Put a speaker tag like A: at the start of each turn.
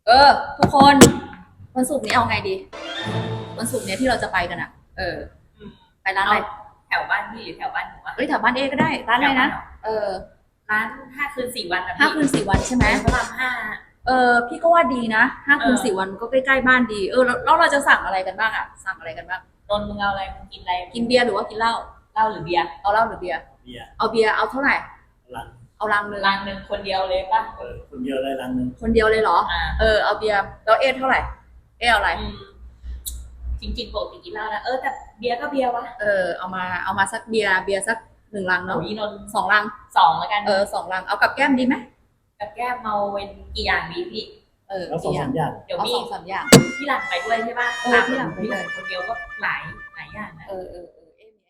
A: เออทุกคนวันศุกร์นี้เอาไงดีวันศุกร์นี้ที่เราจะไปกันอ่ะ
B: อืม
A: ไปร้านอะไร
B: แถวบ้านพี่หรือแถวบ้านหนูวะ
A: เอ้ยแถวบ้านเอก็ได้ร้านอะไรนะเออ
B: ร้าน5 คืน 4 วันนะ
A: ห้า
B: พี่
A: คืนสี่วันใช่ไหม
B: พระรามห้า
A: พี่ก็ว่าดีนะ5 คืน 4 วันก็ใกล้ๆบ้านดีแล้วเราจะสั่งอะไรกันบ้างอ่ะสั่งอะไรกันบ้าง
B: นนท์มึงเอาอะไรมึงกินอะไร
A: กินเบียร์หรือว่ากินเหล้า
B: เหล้าหรือเบียร์
A: เอาเหล้าหรือเบียร์
C: เบียร์
A: เอาเบียร์เอาเท่าไหร่
C: ลัง
A: เอาลังนึง
B: ลังหนึ่งคนเดียวเลยป่ะ
C: คนเดียวเลยลังหนึ่ง
A: คนเดียวเลยเหรอเอาเบียร์แล้วเท่าไหร่เอาอะไร
B: จริงๆปกติกินเหล้านะแต่เบียร์ก็เบียร์วะ
A: เอามาสักเบียร์สัก1 ลังเนาะ
B: โอ้ยนนท์
A: 2 ลัง
B: แล้วกัน
A: 2 ลังเอากับแก้มดีไหม
B: กับแก้มเมาเป็นกี่อย่างดีพี่
C: แล้ว2-3 อย่าง
B: เดี๋ยว
A: เอา
B: มี
A: 2-3 อย่าง
B: พี่หลังไปด้วยใช่ป่ะ
A: พี่หลังไปเลย
B: คนเดียวก็หลายอย่างนะ
A: เออ